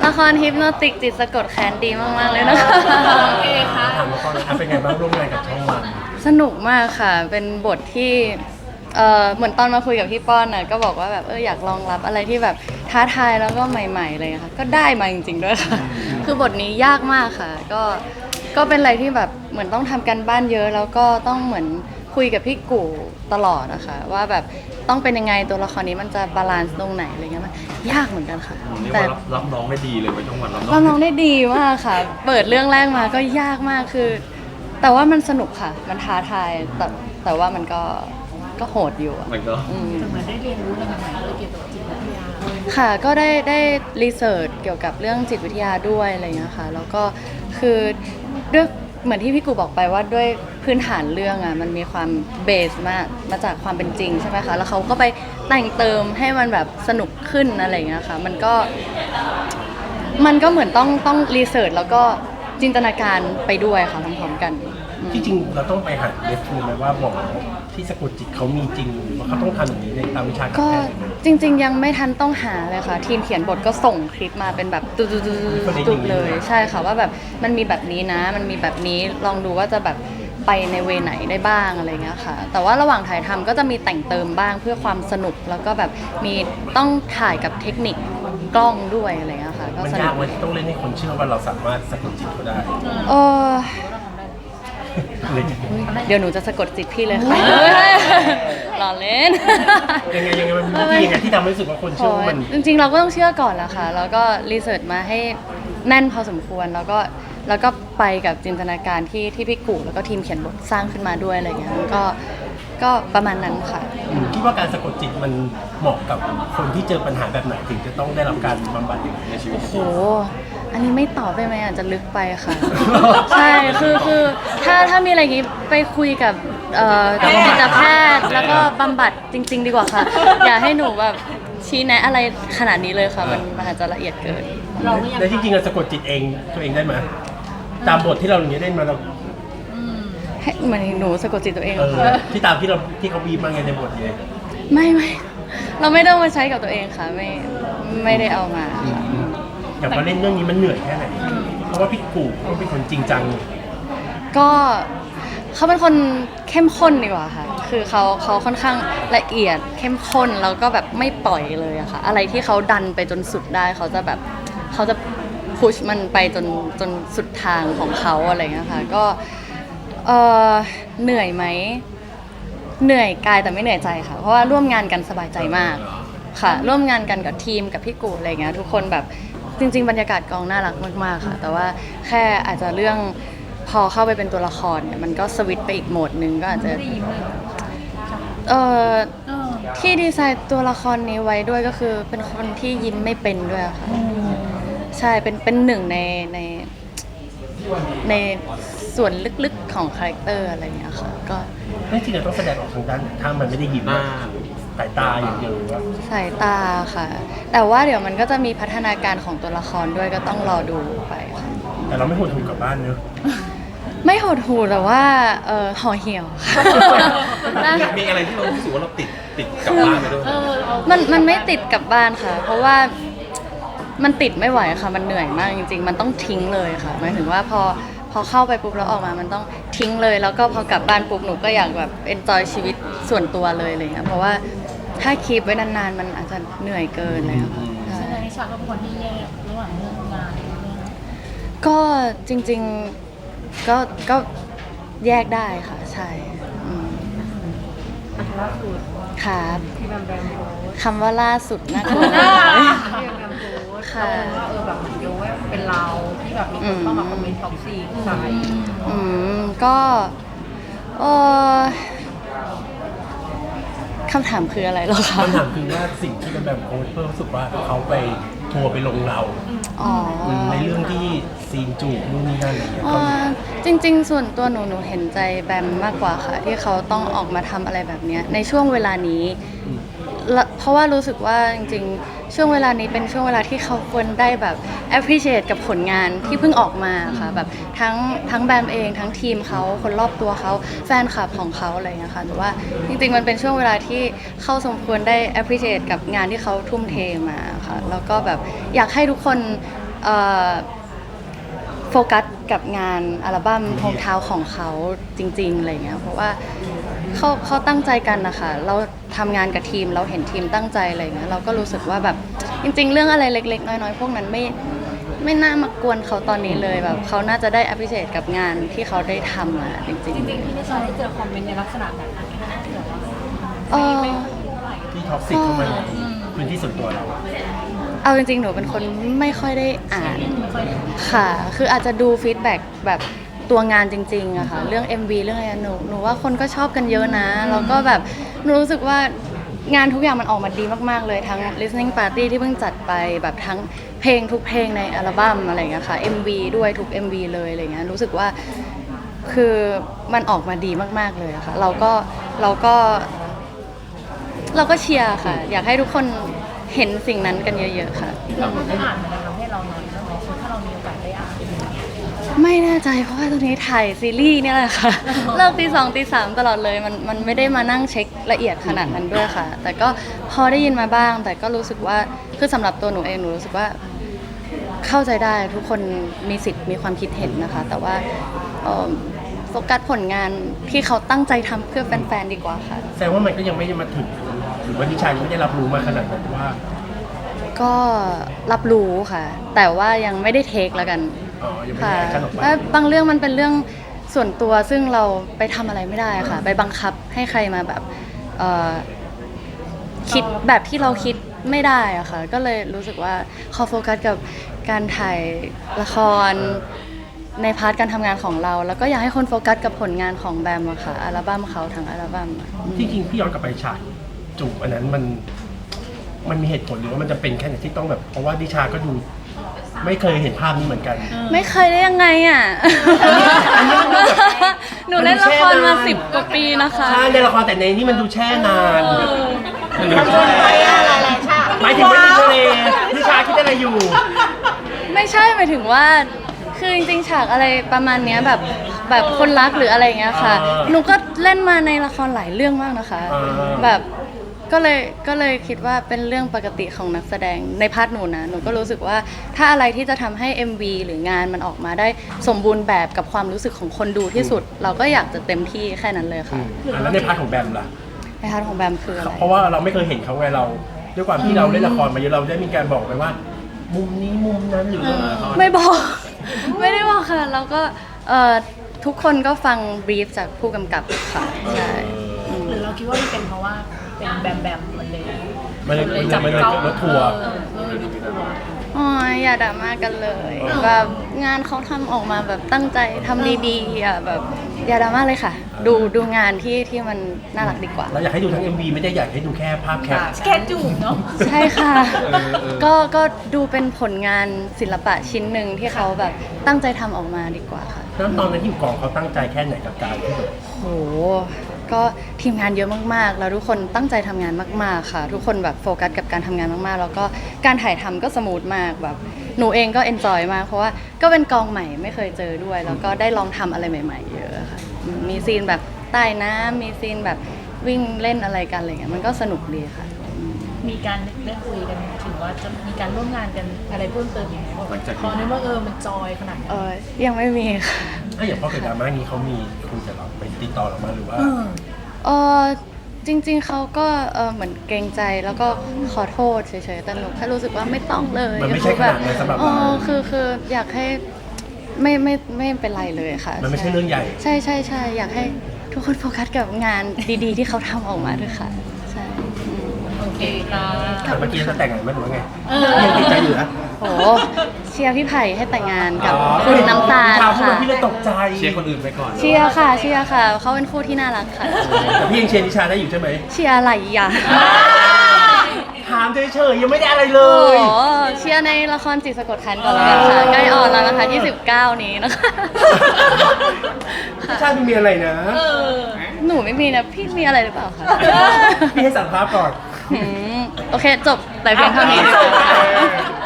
ละครฮิปโนติกจิตสะกดแค้นดีมากๆเลยนะคะโอเคค่ะถามละครเป็นไงบ้างร่วมงานกับช่องวันสนุกมากค่ะ เป็นบทที่เหมือนตอนมาคุยกับพี่ป้อนน่ะก็บอกว่าแบบอยากลองรับอะไรที่แบบท้าทายแล้วก็ใหม่ๆเลยค่ะก็ได้มาจริงๆด้วยค่ะคือบทนี้ยากมากค่ะก็เป็นอะไรที่แบบเหมือนต้องทำกันบ้านเยอะแล้วก็ต้องเหมือนคุยกับพี่กู่ตลอดนะคะว่าแบบต้องเป็นยังไงตัวละครนี้มันจะบาลานซ์ตรงไหนอะไรเงี้ยมันยากเหมือนกันค่ะเรียกแต่ว่ารับน้องได้ดีเลยไว้ช่องวันรับน้องเราน้องได้ดีมากค่ะ เปิดเรื่องแรกมาก็ยากมากคือ แต่ว่ามันสนุกค่ะ มันท้าทายแต่ว่ามันก็โหดอยู่อะมันก็เหมือนได้เรียนรู้อะไรใหม่ๆเกี่ยวกับจิตวิทยาค่ะก็ได้รีเสิร์ชเกี่ยวกับเรื่องจิตวิทยาด้วยอะไรอย่างเงี้ยค่ะแล้วก็คือด้วยเหมือนที่พี่กูบอกไปว่าด้วยพื้นฐานเรื่องอ่ะมันมีความเบสมาจากความเป็นจริงใช่ไหมคะแล้วเขาก็ไปแต่งเติมให้มันแบบสนุกขึ้นอะไรอย่างเงี้ยค่ะมันก็เหมือนต้องรีเสิร์ชแล้วก็จินตนาการไปด้วยค่ะพร้อมๆกันที่จริงเราต้องไปหาเรฟฟูไหมว่าหมอที่สะกดจิตเขามีจริงหรือว่าเขาต้องทำอย่างนี้ในตามวิชาการก็แพทย์จริงๆยังไม่ทันต้องหาเลยค่ะทีมเขียนบทก็ส่งคลิปมาเป็นแบบตุดๆเลยใช่ค่ะว่าแบบมันมีแบบนี้นะมันมีแบบนี้ลองดูว่าจะแบบไปในเวไหนได้บ้างอะไรเงี้ยค่ะแต่ว่าระหว่างถ่ายทำก็จะมีแต่งเติมบ้างเพื่อความสนุกแล้วก็แบบมีต้องถ่ายกับเทคนิคกล้องด้วยอะไรเงี้ยค่ะก็มันสนุยากกไหมที่ต้องเล่นให้คนเชื่อว่าเราสามารถสะกดจิตเขาได้เออเลยเดี๋ยวหนูจะสะกดจิตพี่เลยค่ะรอเล่นยังไงมันมีวิธียังไงที่ทำให้รู้สึกว่าคนเชื่อว่ามันจริงๆเราก็ต้องเชื่อก่อนแหละค่ะแล้วก็รีเสิร์ชมาให้แน่นพอสมควรแล้วก็ไปกับจินตนาการที่พี่กู่แล้วก็ทีมเขียนบทสร้างขึ้นมาด้วยอะไรเงี้ยก็ประมาณนั้นค่ะคิดว่าการสะกดจิตมันเหมาะกับคนที่เจอปัญหาแบบไหนถึงจะต้องได้รับการบำบัดอย่างในชีวิตโอ้โหอันนี้ไม่ตอบได้ไหมอาจจะลึกไปค่ะ ใช่คือถ้ามีอะไรอย่างงี้ไปคุยกับจิตแพทย์แล้วก็บำบัดจริง ๆ ดีกว่าค่ะ อย่าให้หนูแบบชี้แนะอะไรขนาดนี้เลยค่ะมันอาจจะละเอียดเกินแล้วจริงๆเราสะกดจิตเองตัวเองได้ไหมตามบทที่เราอย่างนี้เล่นมาเราให้เหมือนหนูสะกดจิตตัวเองเหรอค่ะที่ตามที่เขาบีบมาไงในบทเลยไม่เราไม่ได้เอามาใช้กับตัวเองค่ะไม่ได้เอามาค่ะอย่างมาเล่นเรื่องนี้มันเหนื่อยแค่ไหนเพราะว่าพี่กูเขาเป็นคนจริงจังก็เขาเป็นคนเข้มข้นดีกว่าค่ะคือเขาค่อนข้างละเอียดเข้มข้นแล้วก็แบบไม่ปล่อยเลยอะค่ะอะไรที่เขาดันไปจนสุดได้เขาจะพุชมันไปจนสุดทางของเขาอะไรเงี้ยค่ะก็เหนื่อยไหมเหนื่อยกายแต่ไม่เหนื่อยใจค่ะเพราะว่าร่วมงานกันสบายใจมากค่ะร่วมงานกันกับทีมกับพี่กูอะไรเงี้ยทุกคนแบบจริงๆบรรยากาศกองน่ารักมากๆค่ะแต่ว่าแค่อาจจะเรื่องพอเข้าไปเป็นตัวละครเนี่ยมันก็สวิตช์ไปอีกโหมดนึงก็อาจจะที่ดีไซน์ตัวละครนี้ไว้ด้วยก็คือเป็นคนที่ยิ้มไม่เป็นด้วยค่ะใช่เป็นหนึ่งในส่วนลึกๆของคาแรคเตอร์อะไรอย่างเงี้ยค่ะก็จริงๆเราต้องแสดงออกทางด้านถ้ามันไม่ได้ยิ้มสายตาอย่างเดียวว่าสายตาค่ะแต่ว่าเดี๋ยวมันก็จะมีพัฒนาการของตัวละครด้วยก็ต้องรอดูไปค่ะแต่เราไม่หดหู่กลับบ้านเนอะไม่หดหู่แต่ว่าห่อเหี่ยวค่ะมีอะไรที่เรารู้สึกว่าเราติดกลับบ้านไปด้วยมันไม่ติดกลับบ้านค่ะ เพราะว่ามันติดไม่ไหวค่ะมันเหนื่อยมากจริงๆมันต้องทิ้งเลยค่ะหมายถึงว่าพอเข้าไปปุ๊บแล้วออกมามันต้องทิ้งเลยแล้วก็พอกลับบ้านปุ๊บหนูก็อยากแบบเอนจอยชีวิตส่วนตัวเลยอะไรเงี้ยเพราะว่าถ้าคีปไว้นานๆมันอาจจะเหนื่อยเกินเลยค่ะใช่นิชาก็เป็นคนที่แยกระหว่างเรื่องงานกับเรื่องก็จริงๆก็แยกได้ค่ะใช่ล่าสุดครับที่แบมโพสคำว่าล่าสุดนะคะที่แบมโพสค่ะแบบเหมือนโยว่าเป็นเราที่แบบมีคนเข้ามาคอมเมนต์ท็อกซี่ใส่ก็คำถามคืออะไรหรอคะคำถามคือว่าสิ่งที่เป็นแบบโค้ชเพื่อรู้สึกว่าเขาไปทัวร์ไปลงเราในเรื่องที่ซีนจูบนู่นนี่นั่นอะไรอย่างเงี้ยจริงๆส่วนตัวหนูเห็นใจแบมมากกว่าค่ะที่เขาต้องออกมาทำอะไรแบบนี้ในช่วงเวลานี้เพราะว่ารู้สึกว่าจริงๆช่วงเวลานี้เป็นช่วงเวลาที่เขาควรได้แบบ appreciate กับผลงานที่เพิ่งออกมาค่ะแบบทั้งแบมเองทั้งทีมเขาคนรอบตัวเขาแฟนคลับของเขาอะไรอย่างเงี้ยค่ะแต่ว่าจริงๆมันเป็นช่วงเวลาที่เขาสมควรได้ appreciate กับงานที่เขาทุ่มเทมาค่ะแล้วก็แบบอยากให้ทุกคนเอ่อโฟกัสกับงานอัลบั้มโฮมทาวน์ของเขาจริงๆอะไรเงี้ยเพราะว่าเขาตั้งใจกันนะคะเราทำงานกับทีมเราเห็นทีมตั้งใจอะไรเงี้ยเราก็รู้สึกว่าแบบจริงๆ เรื่องอะไรเล็กๆน้อยๆพวกนั้นไม่น่ามากวนเขาตอนนี้เลยแบบเขาน่าจะได้ appreciate กับงานที่เขาได้ทำอะจริงจริงๆพี่นิชาได้เจอคอมเมนต์ในลักษณะแบบไหนที่แบบว่าๆเออที่ท็อกซิกเข้ามาในพื้นที่ส่วนตัวเราเอาจริงๆ หนูเป็นคนไม่ค่อยได้อ่านค่ะ คืออาจจะดูฟีดแบ็กแบบตัวงานจริงๆอะค่ะ เรื่อง MV เรื่องอะไรหนูว่าคนก็ชอบกันเยอะนะ แล้วก็แบบหนูรู้สึกว่างานทุกอย่างมันออกมาดีมากๆเลย ทั้ง listening party ที่เพิ่งจัดไปแบบทั้งเพลงทุกเพลงในอัลบั้มอะไรอย่างเงี้ยค่ะ MV ด้วยทุก MV เลยอะไรเงี้ย รู้สึกว่าคือมันออกมาดีมากๆเลยอะค่ะ เราก็เชียร์ค่ะ อยากให้ทุกคนเห็นสิ่งนั้นกันเยอะๆค่ะเราได้อ่านมันทำให้เราน้อยไหมถ้าเรามีโอกาสได้อ่านไม่แน่ใจเพราะว่าตอนนี้ถ่ายซีรีส์เนี่ยแหละค่ะ เลิกตี 2ตี 3ตลอดเลยมันไม่ได้มานั่งเช็คละเอียดขนาดนั้นด้วยค่ะ แต่ก็พอได้ยินมาบ้าง แต่ก็รู้สึกว่าคือสำหรับตัวหนูเองหนูรู้สึกว่าเข้าใจได้ทุกคนมีสิทธิ์มีความคิดเห็นนะคะ แต่ว่าโฟกัสผลงานที่เขาตั้งใจทำเพื่อแฟนๆดีกว่าค่ะแสดงว่ามันก็ยังไม่ได้มาถึงหรือว่านิชายังไม่ได้รับรู้มาขนาดนั้นว่าก็รับรู้ค่ะ แต่ว่ายังไม่ได้เทคแล้วกันอ๋อยังไม่ได้ค่ะแอคชั่นออกไปว่าบางเรื่องมันเป็นเรื่องส่วนตัวซึ่งเราไปทำอะไรไม่ได้ค่ะ ไปบังคับให้ใครมาแบบคิดแบบที่เราคิดไม่ได้อะค่ะ ก็เลยรู้สึกว่าขอโฟกัสกับการถ่ายละครในพาร์ทการทำงานของเรา แล้วก็อยากให้คนโฟกัสกับผลงานของแบมอะค่ะอัลบั้มเขาทั้งอัลบั้มอะจริงๆพี่ย้อนกลับไปฉากจูบอันนั้นมันมีเหตุผลหรือว่ามันจะเป็นแค่ไหนที่ต้องแบบเพราะว่านิชาก็ดูไม่เคยเห็นภาพนี้เหมือนกันไม่เคยได้ยังไงอ่ะ หนูเล่นละครมา10 กว่าปีนะคะใช่ในละครแต่ในนี้มันดูแช่นานมันดูใช่หมายถึงว่าในทะเลนิชาคิดอะไรอยู่ไม่ใช่หมายถึงว่า คือจริงๆฉากอะไรประมาณเนี้ยแบบคนรักหรืออะไรอย่างเงี้ยค่ะอ่าหนูก็เล่นมาในละครหลายเรื่องมากนะคะอ่าแบบก็เลยคิดว่าเป็นเรื่องปกติของนักแสดงในพาร์ทหนูนะ หนูก็รู้สึกว่าถ้าอะไรที่จะทำให้ MV หรืองานมันออกมาได้สมบูรณ์แบบกับความรู้สึกของคนดูที่สุด เราก็อยากจะเต็มที่แค่นั้นเลยค่ะแล้วในพาร์ทของแบมล่ะในพาร์ทของแบมคืออะไรเพราะว่าเราไม่เคยเห็นเขาไงเรา ด้วยความที่เราเล่นละครมาเยอะเราได้มีการบอกไปว่า มุมนี้มุมนั้นหรือว่าไม่บอก ไม่ได้บอกค่ะ แล้วก็ทุกคนก็ฟังบรีฟจากผู้กำกับค่ะใช่อืมหรือเราคิดว่ามันเป็นเพราะว่าเป็นแบมมันเลยมันเลยจับมันเลยเจ้ารถทัวร์รถทัวร์โอ้ยอย่าด่ามากันเลยแบบงานเขาทำออกมาแบบตั้งใจทำดีๆอ่ะแบบอย่าด่ามาเลยค่ะ ดูงานที่มันน่ารักดีกว่าเราอยากให้ดูทั้ง MV ไม่ได้อยากให้ดูแค่ภาพแคปแค่จูบเนาะใช่ค่ะ ก็ดูเป็นผลงานศิลปะชิ้นหนึ่งที่เขาแบบตั้งใจทำออกมาดีกว่าค่ะแล้วตอนนั้นที่อยู่กองเขาตั้งใจแค่ไหนกับการที่แบบโห ก็ทีมงานเยอะมากๆ แล้วทุกคนตั้งใจทำงานมากๆ ค่ะ ทุกคนแบบโฟกัสกับการทำงานมากๆ แล้วก็การถ่ายทำก็สมูทมากแบบหนูเองก็เอนจอยมาก เพราะว่าก็เป็นกองใหม่ไม่เคยเจอด้วย แล้วก็ได้ลองทำอะไรใหม่ๆ เยอะค่ะ มีซีนแบบใต้น้ำมีซีนแบบวิ่งเล่นอะไรกันอะไรเงี้ย มันก็สนุกดีค่ะมีการได้คุยกันถึงว่าจะมีการร่วมงานกันอะไรเพิ่มเติมอีกไหมพอในว่ามันจอยขนาดนั้นยังไม่มีค่ะถ้าอย่างพ่อเกิดดราม่านี้เขามีคุยกับเราไปติดต่อเรามาหรือว่าจริงๆ เขาก็เหมือนเกรงใจแล้วก็ขอโทษเฉยๆ แต่หนูแค่รู้สึกว่าไม่ต้องเลยมันไม่ใช่ขนาดนั้นสำหรับเราคืออยากให้ไม่เป็นไรเลยค่ะมันไม่ใช่เรื่องใหญ่ใช่ใช่ใช่อยากให้ทุกคนโฟกัสกับงานดีๆ ที่เขาทำออกมาด้วยค่ะ ใช่อืมโอเคค่ะแต่เมื่อกี้จะแต่งงานไหมหรือว่าไงยังติดใจอยู่นะโหเชียร์พี่ไผ่ให้แต่งงานกับคุณน้ำตาลข่าวพูดค่ะมาพี่เลยตกใจเชียร์คนอื่นไปก่อนเชียร์ค่ะเขาเป็นคู่ที่น่ารักค่ะแต่พี่ยังเชียร์นิชาได้อยู่ใช่ไหมเชียร์อะไรอ่ะถามเฉยๆยังไม่ได้อะไรเลโอ้ยโหเชียร์ในละครจิตสะกดคันก่อนแล้วกันค่ะ ใกล้ออนแล้วนะคะ29 นี้นะคะนิชาดูมีอะไรนะหนูไม่มีนะ พี่มีอะไรหรือเปล่าคะพี่ให้สัมภาษณ์ก่อนโอเค จบแต่เพียงเท่านี้อ่ะ